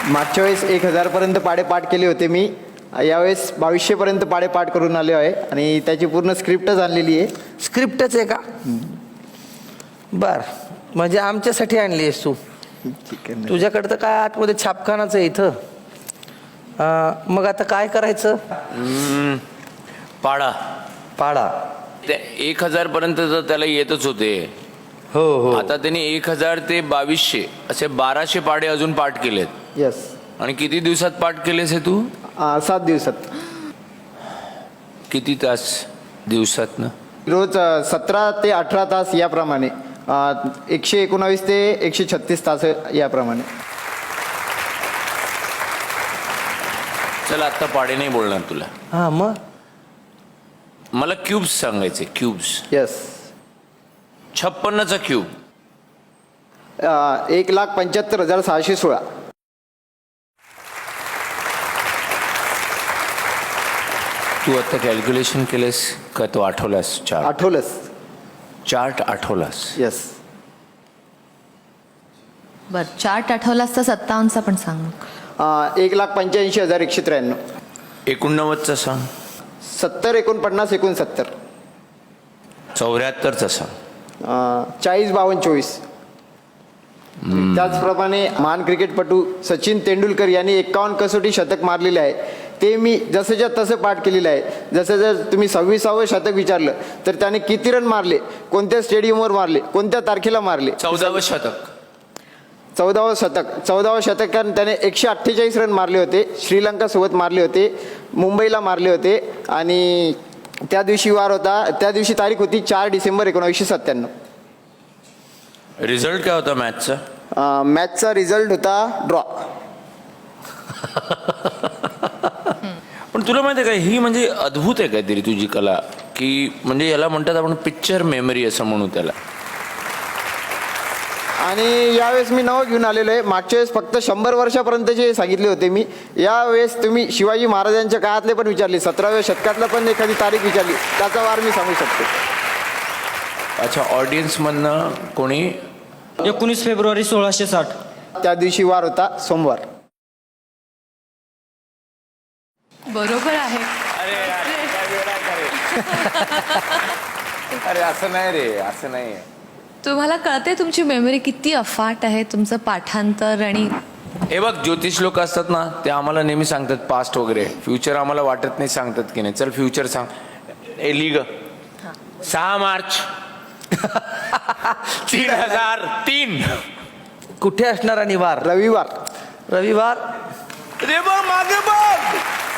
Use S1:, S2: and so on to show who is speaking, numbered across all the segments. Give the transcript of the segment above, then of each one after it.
S1: मागच्या वेळेस 1000 पर्यंत पाढे पाठ केले होते मी. यावेळेस 2200 पर्यंत पाढे पाठ करून आले आहे आणि त्याची पूर्ण स्क्रिप्टच आणलेली आहे.
S2: स्क्रिप्टच आहे का? बर, म्हणजे आमच्यासाठी आणली आहेस तू?
S1: ठीक आहे.
S2: तुझ्याकडं तर काय आतमध्ये छापखानाच आहे इथं. मग आता काय करायचं?
S3: पाडा
S2: पाडा.
S3: ते 1000 पर्यंत तर त्याला येतच होते.
S2: हो हो.
S3: आता त्यांनी 1000 ते 2200 असे 1200 पाढे अजून पाठ केलेत.
S1: यस.
S3: आणि किती दिवसात पाठ केलेस हे तू?
S1: 7 दिवसात.
S3: किती तास दिवसात ना?
S1: रोज 17 ते 18 तास याप्रमाणे. 119 ते 136 तास याप्रमाणे.
S3: चल आता पाढे नाही बोलणार तुला.
S2: हां मग
S3: मला क्यूब्स सांगायचे. क्यूब्स.
S1: यस.
S3: 56चा क्यूब.
S1: 1,75,616.
S3: तू आता कॅल्क्युलेशन केलेस का? तो आठवलास?
S1: आठवलंस?
S3: चार्ट आठवलास?
S1: यस.
S4: बर, चार्ट आठवलास तर 57चा पण सांग.
S1: 1,85,193.
S3: 89चा सांग.
S1: 70, 49, 69.
S3: 74चा सांग.
S1: 40, 52, 24. त्याचप्रमाणे महान क्रिकेटपटू सचिन तेंडुलकर यांनी 51 कसोटी शतक मारलेले आहे. ते मी जसंच्या तसं पाठ केलेलं आहे. जसं जर तुम्ही 26वे शतक विचारलं तर त्याने किती रन मारले, कोणत्या स्टेडियमवर मारले, कोणत्या तारखेला मारले.
S3: 14वे शतक.
S1: 14वे शतकात त्याने 148 रन मारले होते. श्रीलंकासोबत मारले होते, मुंबईला मारले होते आणि त्या दिवशी वार होता. त्या दिवशी तारीख होती 4 डिसेंबर 1997.
S3: रिझल्ट काय होता मॅचचा?
S1: मॅचचा रिझल्ट होता ड्रॉ.
S3: पण तुला माहिती आहे का, ही म्हणजे अद्भुत आहे काहीतरी तुझी कला, की म्हणजे याला म्हणतात आपण पिक्चर मेमरी असं म्हणू त्याला.
S1: आणि यावेळेस मी नवं घेऊन आलेलो आहे. मागच्या वेळेस फक्त 100 वर्षापर्यंतचे सांगितले होते मी. यावेळेस तुम्ही शिवाजी महाराजांच्या काळातले पण विचारले, 17व्या शतकातला पण एखादी तारीख विचारली, त्याचा वार मी सांगू शकतो.
S3: अच्छा, ऑडियन्समधनं कोणी?
S5: 19 फेब्रुवारी 1660.
S1: त्या दिवशी वार होता सोमवार.
S4: बरोबर आहे.
S3: अरे असं नाही रे, असं नाही.
S4: तुम्हाला कळते तुमची मेमरी किती अफाट आहे, तुमचं पाठांतर. आणि
S3: हे बघ, ज्योतिष लोक असतात ना, ते आम्हाला नेहमी सांगतात पास्ट वगैरे. फ्युचर आम्हाला वाटत नाही सांगतात की नाही. चल फ्युचर सांग. ए लिग 6 मार्च 3003.
S2: कुठे असणार आणि वार?
S1: रविवार.
S2: रविवार.
S3: रे बघ मागे बघ.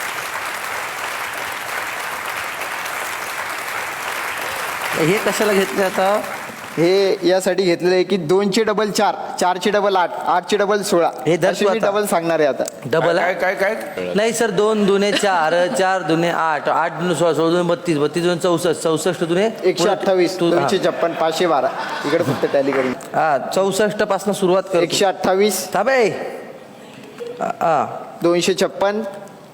S2: हे कशाला घेतले आता?
S1: हे यासाठी घेतलेलं आहे की 2चे डबल 4, 4चे डबल 8, 8चे डबल 16.
S2: हे धर
S1: असे
S2: तू
S1: मी
S2: आता.
S1: डबल सांगणार आहे आता.
S2: डबल
S3: काय
S2: आहे?
S3: काय काय?
S2: नाही सर, 2 दुने 4, 4 दुने 8, 8 दुने 16, 16 दुने 32, 32 दुने 64, 64 दुने
S1: 128,
S2: तू-
S1: 256, 512. इकडे फक्त टॅली करून.
S2: हा 64 पासून सुरुवात कर.
S1: 128,
S2: थांबे.
S1: 256,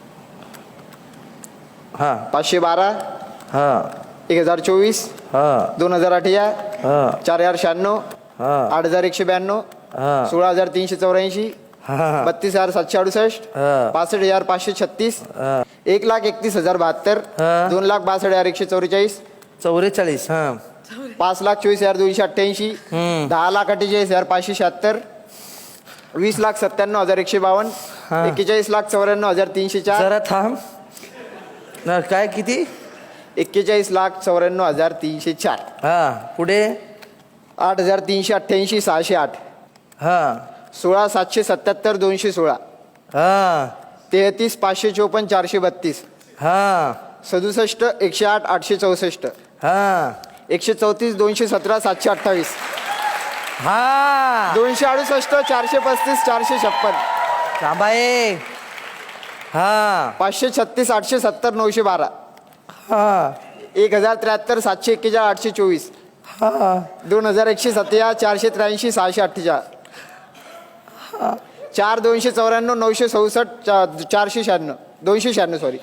S2: हा
S1: 512,
S2: हा
S1: 1024,
S2: हा
S1: 2018,
S2: हा
S1: 4096,
S2: हा
S1: 8192,
S2: हा
S1: 16384,
S2: हा
S1: 32,768,
S2: हा.
S1: 65,536, 1,31,072,
S2: हा.
S1: 2,62,144,
S2: 44. हा
S1: 5,24,288, 10,48,576, 20,97,152,
S2: हा.
S1: 41,94,304,
S2: जरा थांब ना. काय किती?
S1: 41,94,304,
S2: हा पुढे.
S1: 8,388, 608,
S2: हा
S1: 16,777, 216,
S2: हा
S1: 33,554, 432,
S2: हा
S1: 67, 108, 864,
S2: हा
S1: 134, 217, 728,
S2: हा
S1: 268, 435, 456,
S2: थांबाये. हा
S1: 536, 870, 912,
S2: हा
S1: 1,073, 741, 824,
S2: हा
S1: 2,107, 483, 648, 4,294, 967, 496, 296 सॉरी,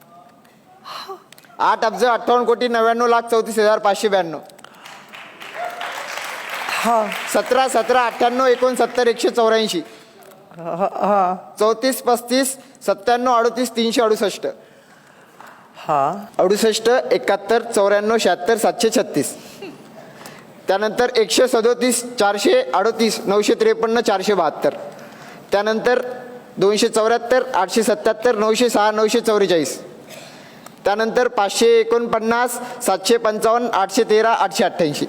S1: 8,58,99,34,592, 17, 17, 98, 69, 184,
S2: हा
S1: 34 35 97 38 368
S2: हा
S1: 68 71 94 76 736. त्यानंतर 137 438 953 472. त्यानंतर 274 877 906 944. त्यानंतर 549 755 813 888.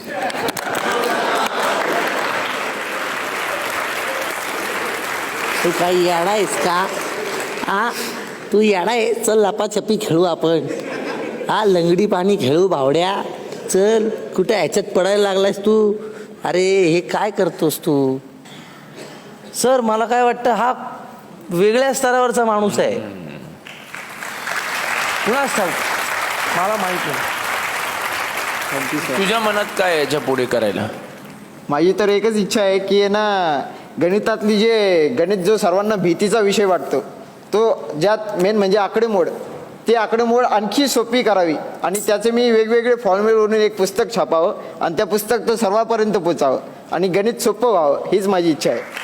S6: तू काही याडा आहेस का? हा, तू याडा आहे. चल लपाछपी खेळू आपण. हा, लंगडी पाणी खेळू भावड्या. चल, कुठे ह्याच्यात पडायला लागलायस तू? अरे हे काय करतोस तू?
S2: सर मला काय वाटतं हा वेगळ्या स्तरावरचा माणूस आहे. कुणास ठाऊक, मला माहित नाही.
S3: तुझ्या मनात काय आहे याच्या पुढे करायला?
S1: माझी तर एकच इच्छा आहे की आहे ना, गणितातली गणित जो सर्वांना भीतीचा विषय वाटतो, तो ज्यात मेन म्हणजे आकडेमोड, ती आकडेमोड आणखी सोपी करावी आणि त्याचे मी वेगवेगळे फॉर्म्युले बनवून एक पुस्तक छापावं आणि त्या पुस्तक तो सर्वांपर्यंत पोचावं आणि गणित सोपं व्हावं, हीच माझी इच्छा आहे.